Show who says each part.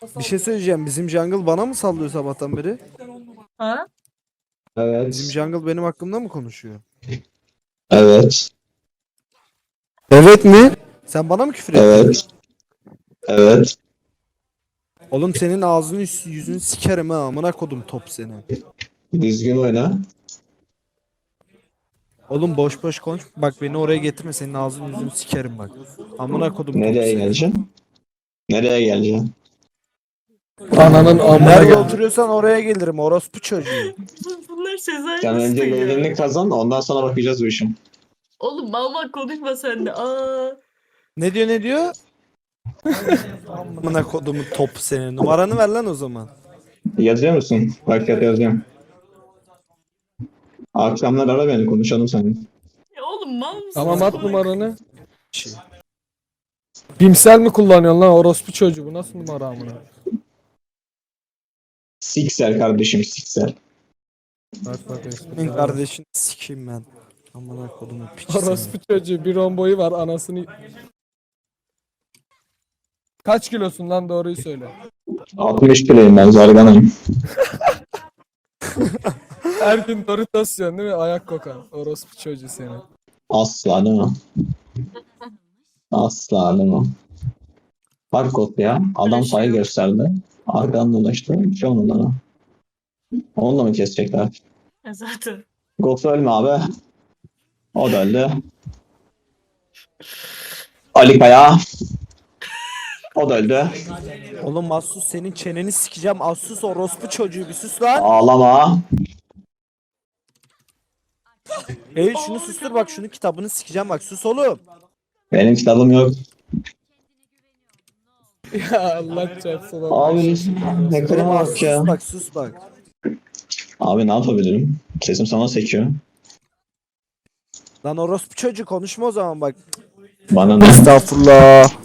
Speaker 1: Bir şey söyleyeceğim. Bizim jungle bana mı sallıyor sabahtan beri?
Speaker 2: Ha?
Speaker 1: Bizim
Speaker 3: Evet.
Speaker 1: jungle benim hakkımda mı konuşuyor?
Speaker 3: Evet.
Speaker 1: Evet mi? Sen bana mı küfür ettin?
Speaker 3: Evet. Evet.
Speaker 1: Oğlum senin ağzını yüzünü sikerim ha. Amına kodum top seni.
Speaker 3: Düzgün oyna.
Speaker 1: Oğlum boş boş konuş. Bak beni oraya getirme. Senin ağzını yüzünü sikerim bak. Amına kodum top
Speaker 3: Nereye
Speaker 1: seni.
Speaker 3: geleceksin? Nereye geleceksin?
Speaker 4: Ananın amına
Speaker 1: Nerede
Speaker 4: gel.
Speaker 1: oturuyorsan oraya gelirim. Orospu çocuğu.
Speaker 2: Bunlar Sezai
Speaker 3: Sen
Speaker 2: nasıl
Speaker 3: önce
Speaker 2: ya?
Speaker 3: gelirini kazan, ondan sonra bakacağız bu işin.
Speaker 2: Oğlum mal konuşma sen de. Aa.
Speaker 1: Ne diyor ne diyor? Amına kodumu top seni. Numaranı ver lan o zaman.
Speaker 3: Yazıyor musun? Bak yazıyorum. Akşamlar ara beni, konuşalım seninle.
Speaker 2: Ya oğlum mal mısın?
Speaker 4: Tamam at
Speaker 2: Salak.
Speaker 4: numaranı.
Speaker 1: Şey.
Speaker 4: Bimsel mi kullanıyorsun lan orospu çocuğu? Bu nasıl numara amına?
Speaker 3: Siksel kardeşim, siksel.
Speaker 4: Bak bak
Speaker 1: Senin
Speaker 4: espri.
Speaker 1: kardeşini sikeyim ben. Amına kodumu piç seni.
Speaker 4: Orospu çocuğu bir romboyu var anasını. Kaç kilosun lan doğruyu söyle.
Speaker 3: 60 kiloyum ben, zarganayım.
Speaker 4: Her gün Doritos yiyorsun değil mi? Ayak kokan. Orospu çocuğu seni.
Speaker 3: Asla değil mi? Asla değil mi? Fark oldu ya. Adam sayı gösterdi. Arkadan dolaştı. Bir şey olmadı ona. Onu da mı kesecekler?
Speaker 2: Zaten.
Speaker 3: Ghost ölme abi. O da öldü. Ali Kaya. O da öldü.
Speaker 1: Oğlum Asus senin çeneni sikeceğim. Asus orospu çocuğu bir sus lan.
Speaker 3: Ağlama.
Speaker 1: Ey şunu sustur bak şunu kitabını sikeceğim bak sus oğlum.
Speaker 3: Benim kitabım yok.
Speaker 4: Ya Allah çarpsın.
Speaker 3: Abi ne
Speaker 1: Benim
Speaker 3: kadar
Speaker 1: Asus
Speaker 3: bak ya.
Speaker 1: sus bak sus bak.
Speaker 3: Abi ne yapabilirim? Sesim sana sekiyor.
Speaker 1: Lan orospu çocuğu konuşma o zaman bak.
Speaker 3: Bana ne?
Speaker 1: Estağfurullah.